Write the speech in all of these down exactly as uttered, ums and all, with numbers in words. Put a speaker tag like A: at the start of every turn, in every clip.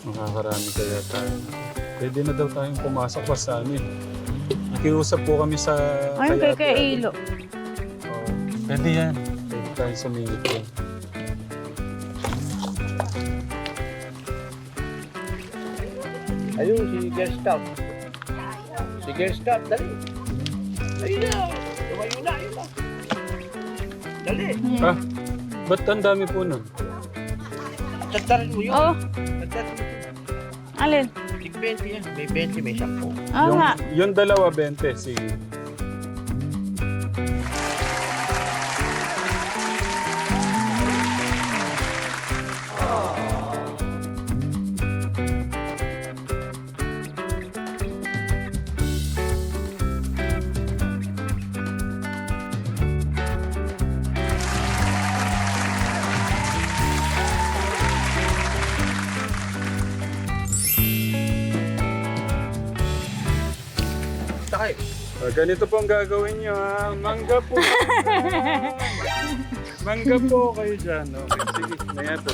A: Makakarami kaya tayo. Pwede na daw tayong pumasok pa sa amin. Nakiusap po kami sa...
B: Ayun kay kay Ilo.
A: Oh, pwede yan. Pwede tayo sumingit yan.
C: Ayun, si Girl Scout. Si Girl Scout, dali. Ayun na. Tumayo na, ayun na. Dali.
A: Ah, ba't ang dami po nun?
C: Tatarin mo yun.
B: Oh,
C: Tatarin mo yun.
B: alin?
C: Tig twenty yan. May twenty, may ten.
B: Oo
A: yung,
B: nga.
A: yung dalawa, bente. Sige.
C: Takay.
A: Ah, ganito po ang gagawin nyo ha. Mangga po. Mangga po kayo dyan. Okay, sige. Maya po.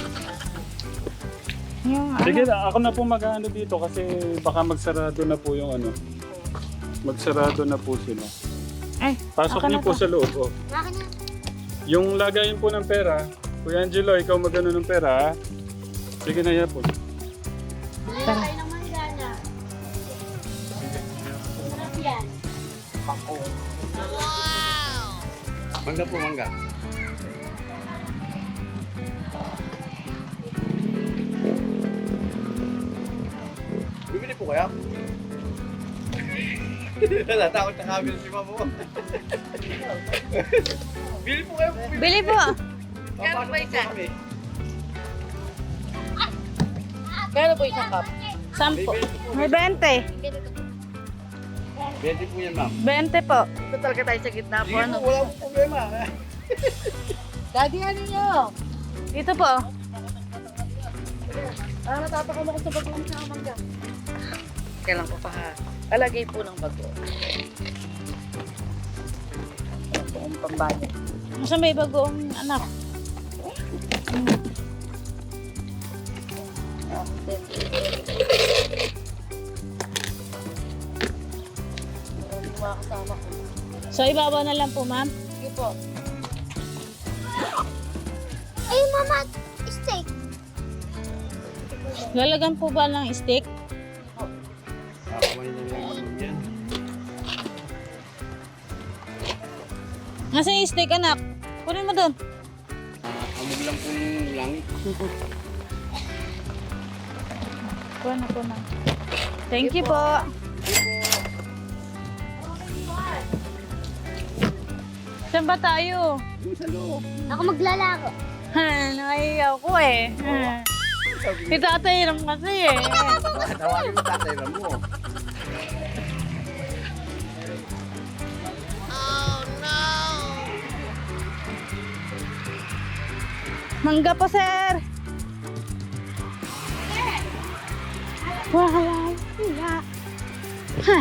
B: Yung
A: Sige,
B: ano.
A: ako na po mag-ano dito kasi baka magsarado na po yung ano. Magsarado na po sila.
B: Ay,
A: Pasok
B: ako
A: niyo
B: na
A: po
B: to.
A: sa loob. Oh. Yung lagayin po ng pera, Kuya Angelo, ikaw magano ng pera ha? Sige na yan po.
B: Tara.
C: Mangga po, mangga. Bibili po kaya? Natakot na kami si mama mo. Bili po kayo.
B: Bili po.
C: Kano po isa?
D: Kano po isang cup?
B: Sampo. May bente.
C: twenty po yan, ma'am.
B: Bente po.
D: Ito talaga tayo sa gitna po.
C: Sige
D: Ano?
C: po, wala po problema.
D: Daddy, ano nyo?
B: Dito po.
D: Ah, natatakam ako sa bago ng sa mangga. Kailan ko pa ha? Alagay po ng bago. Ito po ang pambayad.
B: Masa may bagong anak. Hmm.
D: Ah, then, Marami mga kasama ko.
B: So, ibabaw na lang po, ma'am.
D: Sige po.
E: Ay, mama, steak.
B: Lalagan po ba ng steak?
C: Kumain na lang yan.
B: Nasaan yung steak, anak? Kunin mo doon.
C: Amog lang po yung langit.
B: Kuha na po, ma'am. Thank you po. Saan ba tayo?
C: Sa loob.
E: Ako maglalaro.
B: Ha, nakahiya ko eh. Ha. Si tatay lang kasi eh.
C: Tawagin mo tatay lang mo.
B: Mangga po, sir. Wala. Wala. Ha.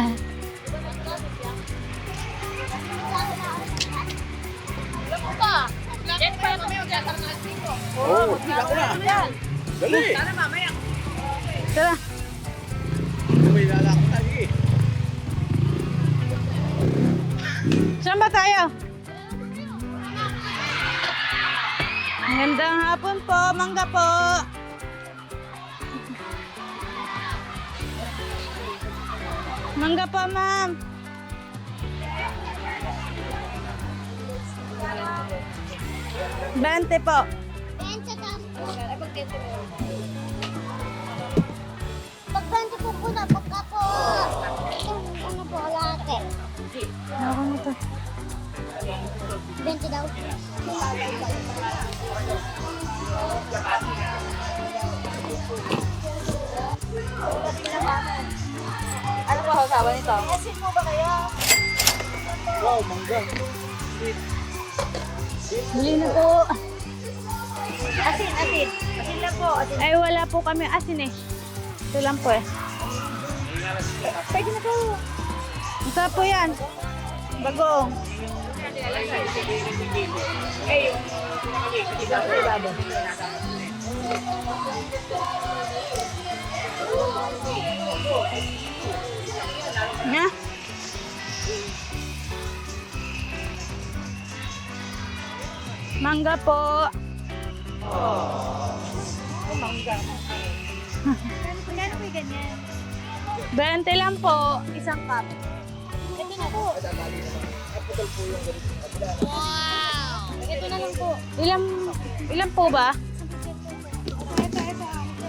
C: Oo, oh, ako na. Dali.
B: Tara.
C: May lalaki tayo eh.
B: Saan ba tayo? Magandang hapon po, mangga po. Mangga po, ma'am. Bente po.
E: Bente ka. Pagbente po po na, pagka po. Ano po, late.
B: Ako na to.
E: Bente daw.
D: Ano po hawsawa nito?
E: Asin mo ba kaya?
C: Wow, mangga.
B: Bili na po.
E: Asin, asin. Asin lang po. Asin.
B: Ay, wala po kami asin eh. Ito lang po eh.
E: Pwede na po.
B: Masarap po yan. Bagoong. Mangga po.
E: Magkano po yung ganyan?
B: bente lang po. Isang cup.
E: Ito na po. Wow! Ito na lang po.
B: Ilan, ilan po ba?
E: Ito, ito.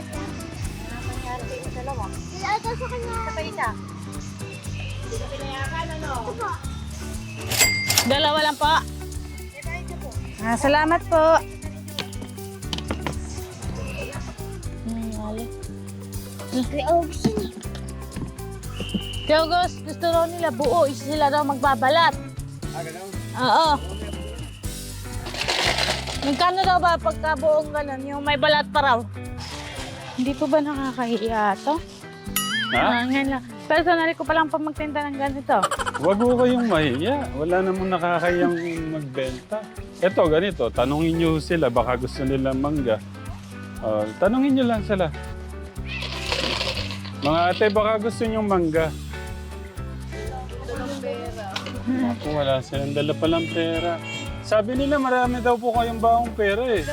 E: Dalawa. Ito sa kanya. Ito pa isa. Ito po.
B: Dalawa lang po.
E: Ito, ito po.
B: Ah, salamat po. Hmm, wala.
E: Kaya August yun eh.
B: Kaya August, gusto raw nila buo. Isa sila raw magbabalat.
C: Ah, ganun?
B: Oo. Magkano daw ba pagka buong ganun? Yung may balat pa raw. Hindi po ba nakakahiya to?
A: Ha?
B: Ah, ngayon lang. Personally ko pa lang pa magtinda ng ganito.
A: Huwag ko kayong mahiya. Wala namang nakakayang magbenta. Ito, ganito. Tanungin nyo sila. Baka gusto nila mangga. Uh, tanungin nyo lang sila. Mga ate, baka gusto nyo mangga. Ako, wala silang dala palang pera. Sabi nila marami daw po kayong baong pera eh.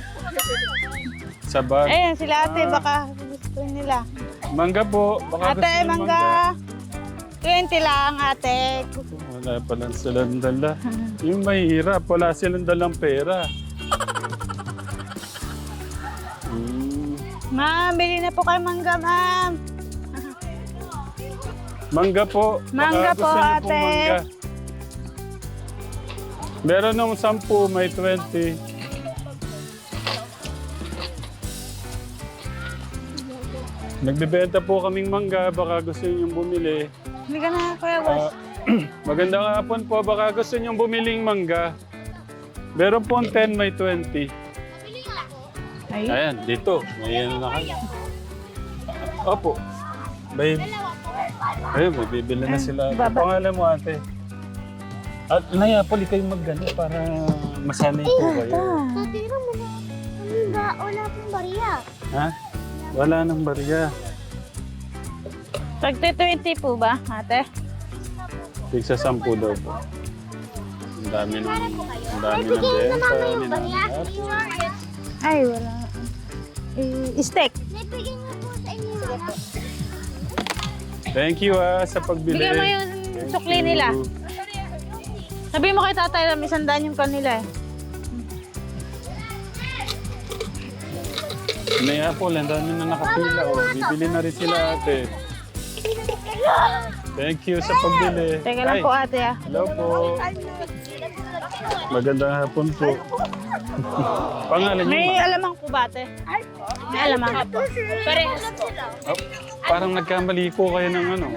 A: Sa bag.
B: Ayun, sila ate, baka gusto nila.
A: Mangga po. Baka gusto
B: Ate,
A: nyo
B: mangga. twenty lang, ate.
A: Wala palang silang dala. Yung mahirap, wala silang dalang pera. Hmm.
B: Ma'am, bili na po kayo mangga, ma'am.
A: Mangga po.
B: Mangga
A: Baka
B: po,
A: gusto niyo
B: ate.
A: pong mangga. Meron nung sampu, may twenty. Nagbebenta po kaming mangga, baka gusto niyo bumili.
B: Hindi ka na, Kuya Boss.
A: Ah, magandang hapon po, baka gusto niyo bumiling mangga. Meron po ten, may twenty.
B: Ay,
A: Ayan, dito. May ano na kayo. Opo. May... Ayun, may bibili na sila. Ang
B: baba.
A: pangalan mo, ate? At nayapoli kayo mag-gano para masanay po kayo.
E: Tatira mo na. Ano ba? Wala pong bariya.
A: Ha? Wala nang barya.
B: tagti twenty po ba, ate?
A: Tigsa sampu daw po. Ang dami ng... Ang dami ng
E: Bigyan na
A: benta.
E: mama yung
A: Ang
E: bariya.
A: dami
B: Ay, wala. Eh, steak.
E: Nagbigay niyo po sa inyo.
A: Thank you ah, sa pagbili.
B: Bigyan mo yung
A: Thank
B: sukli
A: you.
B: nila. Sabi mo kay tatay na may sandaan yung kanila eh.
A: May apple, ang dami na nakapila. Oh. Bibili na rin sila ate. Thank you sa pagbili.
B: Teka lang
A: Ay,
B: po ate ah.
A: hello po. Magandang hapon po. Pangalan niyo?
B: May
A: ma?
B: alamang po ba ate? May alamang. Parehas po.
A: Oh, parang nagkamali po kayo ng ano.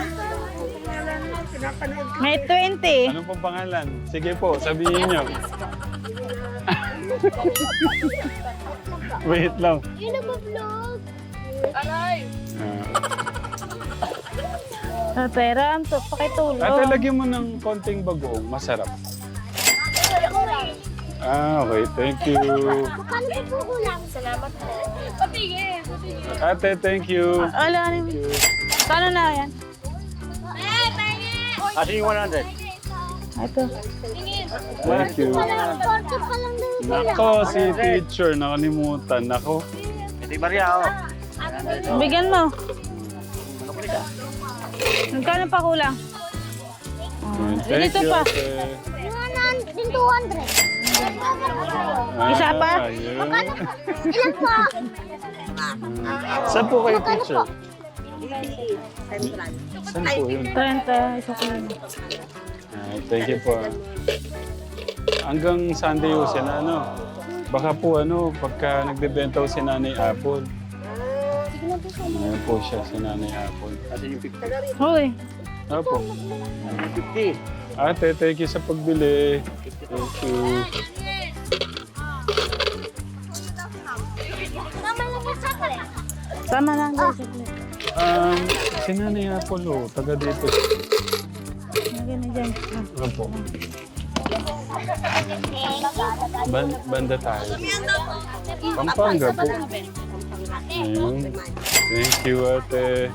B: May twenty.
A: Ano pong pangalan? Sige po, sabihin niyo. Wait lang.
E: Yung nagpa-vlog.
A: Ah.
B: Sa pera, to, pakitulong.
A: Ate, lagyan mo ng konting bagoong. Masarap. Ah, okay. Thank you.
E: Paano po po kulang? Salamat po. Patigil.
A: Ate, thank you.
B: Wala rin. Kano na yan?
C: Kasi yung one hundred.
B: Ito.
A: Thank you.
E: forty pa lang daw.
A: Nako, si teacher, nakalimutan. Nako.
C: Ito yung barya, oh.
B: Bigyan mo. Magkano pa kulang? Oh,
A: Thank
B: dito
A: you,
B: pa.
A: ate.
E: Yung two hundred.
B: Isa pa?
A: Ah, yun.
E: Ilan po?
A: Saan po kayo, teacher? Saan po yun?
B: trenta, isa ko lang.
A: Ah, thank you po. Hanggang Sunday ho si ano. Baka po ano, pagka nagbebenta ho si Nanay Apple. Ngayon po siya si Nanay Apple.
C: Kasi yung fifty.
B: Hoy,
A: Opo.
C: fifty.
A: Ate, thank you sa pagbili. Thank you.
E: Tama lang yung chocolate.
B: sama lang guys.
A: Um, si Nanay Apple ho, taga dito.
B: Lagyan na dyan. Ah.
A: Opo. Ban banda tayo. Pampanga po. Ayun. Thank you, ate.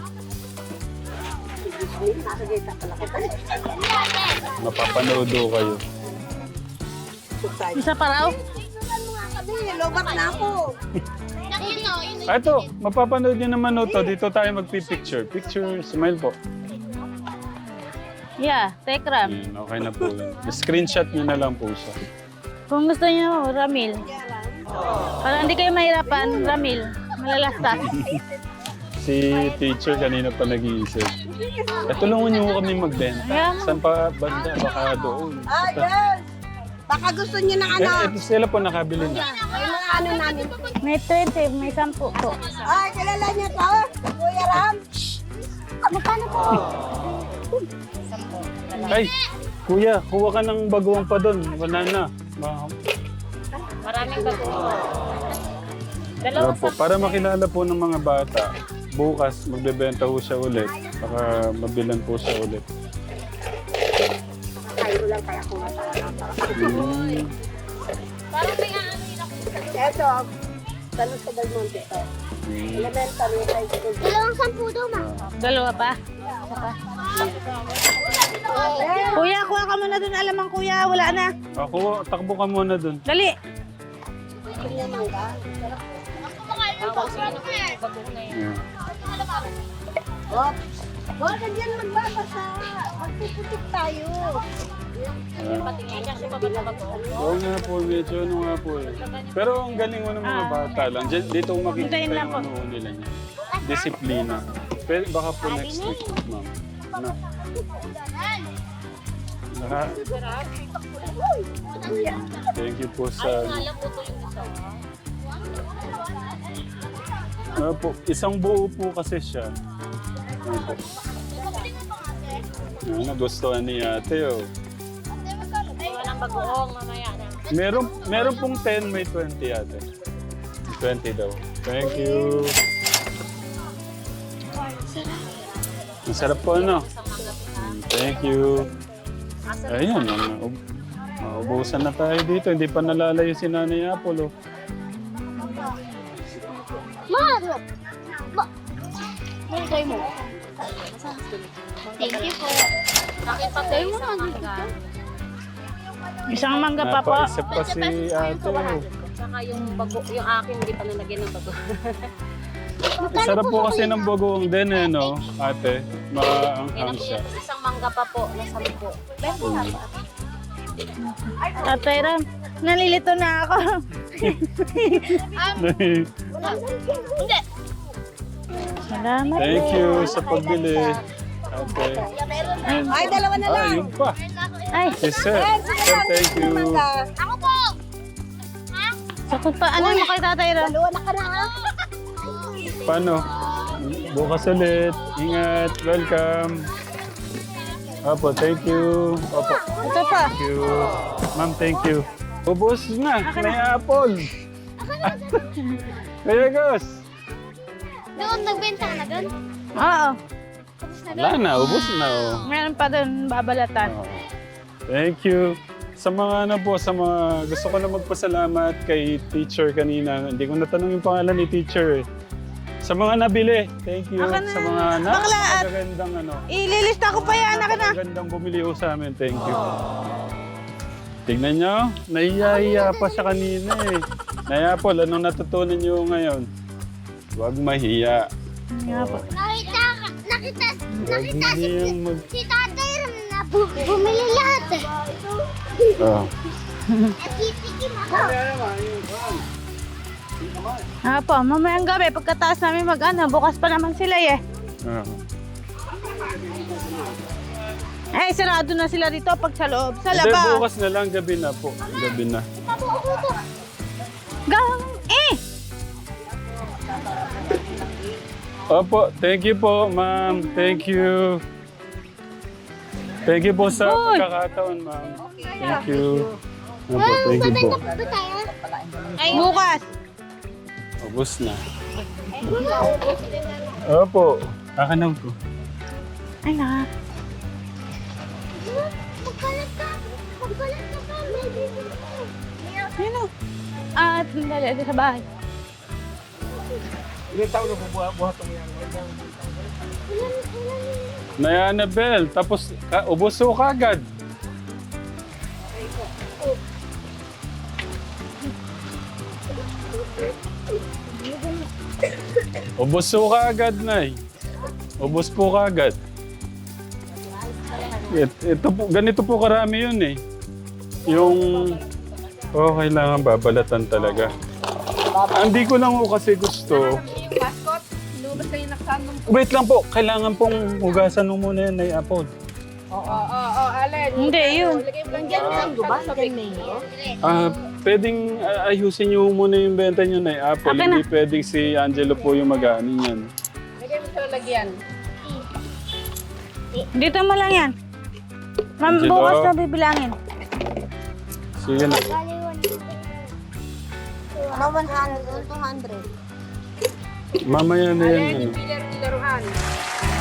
A: Mapapanood ho kayo.
B: Isa pa raw?
E: Sabi, lobat na ako. Nakita ko yun.
A: Ah, ito, mapapanood nyo naman ito. Dito tayo magpipicture. Picture, smile po.
B: Yeah, Tekram.
A: Yan, okay na po yun. Screenshot nyo na lang po siya.
B: Kung gusto niyo, Ramil. Para hindi kayo mahirapan, Ramil. Malalastas.
A: Si teacher kanina pa nag-iisip. Eh, tulungan nyo kami magbenta.
B: Ayan.
A: Saan pa banda? Baka doon.
E: Ah, yes. Baka gusto niyo ng ano.
A: Eh, ito sila po nakabili na.
E: Yung mga ano namin.
B: May twenty, may sampu po.
E: Ay, kilala niyo to? Kuya Ram? Magkano po?
A: Ay, kuya, kuha ka ng bagoong pa doon. Wala na. Ma-
B: Maraming bago.
A: Ano po, para makilala po ng mga bata, bukas magbebenta po siya ulit. Baka mabilan po siya ulit.
E: Kayo lang kaya kung
A: Mm.
E: Ito, tanong sa Del Monte to.
A: Mm.
E: Elementary high school. Dalawang sampu daw, ma.
B: Dalawa pa. Kuya, kuha ka muna dun. Alamang kuya, wala na.
A: Ako, takbo ka muna doon.
B: Dali.
E: Kanya mangga.
A: Yeah.
E: Oh, huwag ka dyan magbabasa. Magpuputik tayo.
A: Oo nga po, medyo ano nga po eh. Pero ang galing mo ng mga bata lang. Diyan- Dito ko makikita
B: Hintayin lang
A: yung
B: po.
A: ano nila niya. Disiplina. Pero baka po next week, ma'am. Ano? Naka... Thank you po sa... Ano po, isang buo po kasi siya. Ano po? Ano, nagustuhan ni ate oh.
B: Walang bagoong mamaya na.
A: Meron, meron pong ten, may twenty ate. twenty daw. Thank you. Ang sarap po, ano? Mm, Thank you. Ayun, maub maubusan na tayo dito. Hindi pa nalalayo si Nanay Apple, oh.
E: Mahalo. Ba? Mulgay mo. Thank you po.
D: Bakit pa tayo sa mangga?
B: Isang mangga pa po.
A: Napaisip pa si ate, oh.
D: Saka yung bago, yung akin hindi pa nalagyan ng bago.
A: Sarap po kasi ng bagoong din, eh, no? Ate, maanghang siya.
D: Isang mangga pa po na sampo.
B: Tatay Ram, nalilito na ako. Salamat.
A: Thank you sa pagbili. Ate.
E: Ay, dalawa na lang.
A: Ah, yun pa.
B: Ay,
A: Si Sir. Sir, thank you.
E: Ako po.
B: sakot pa. Ano mo kay Tatay Ram?
E: Dalawa na ka na, ha?
A: Paano? Bukas ulit. Ingat. Welcome. Opo, thank you. Opo,
B: Ito pa.
A: thank you. Ma'am, thank you. Ubus na. May apple. Kaya Gus.
E: Doon, nagbenta ka na doon?
B: Oo.
A: Wala na. Ubus na. Oh.
B: Meron pa dun babalatan.
A: Oh. Thank you. Sa mga ano po, sa mga gusto ko na magpasalamat kay teacher kanina. Hindi ko natanong yung pangalan ni teacher eh. Sa mga nabili, thank you.
B: Aka na.
A: Sa mga
B: Bakla at-
A: napakagandang ano.
B: Ililista ko pa yan. Anak na.
A: Napakagandang bumili ho sa amin, thank you. Tignan nyo, nahiya-hiya pa siya kanina eh. Naya po, anong natutunan nyo ngayon? Huwag mahiya.
B: Nga po.
E: Nakita, nakita,
A: Huwag mahiyang mag...
E: si Tatay Ram na bu bumili lahat eh.
A: Oh.
E: Nakitikim ako.
B: Nga po, mamayang gabi, pagkataas namin mag-ano, bukas pa naman sila eh.
A: Oh.
B: Ay, sarado na sila dito pag sa loob. Sa
A: Hindi,
B: labas.
A: bukas na lang, gabi na po. Gabi na.
B: Gang, eh!
A: Opo, thank you po, ma'am. Thank you. Thank you po sa
B: Uy!
A: pagkakataon, ma'am. Thank you. Opo, thank you po.
E: Ba tayo?
B: Ay, bukas.
A: Ubus na. Opo. Kakanaw ko.
B: Ay, na.
E: Magkalat ka. Magkalat ka pa. May bibili ko.
B: Sino? At, dali, dali sa bahay.
C: Ilang taon na bubuhat mo yan?
A: Naya Annabel, tapos ka, ubos ko kagad. Ubos po kaagad, Nay. Ubos po kaagad. It, ito po, ganito po karami yun eh. Yung... Oh, kailangan babalatan talaga. Ah, hindi ko lang po kasi gusto.
D: Yung mascot, lumabas kayo nakasandong.
A: Wait lang po, kailangan pong hugasan mo muna yan, Nay Apple.
D: Oo, oo, oo, Allen.
B: Hindi, yun.
D: Lagay mo lang dyan ng guba, sa big.
A: Ah, pwedeng ah, ayusin niyo muna yung benta niyo, Nay Apple.
B: Akin na.
A: Hindi pwedeng si Angelo po yung mag-ano yan.
D: Lagay mo sa lagyan.
B: Dito mo lang yan. Ma'am,
A: Angelo.
B: bukas na bibilangin.
A: Sige na.
E: Ano, one hundred, two hundred.
A: Mamaya na yan.
D: Allen,
A: Ano.
D: yung dealer ni Laruhan.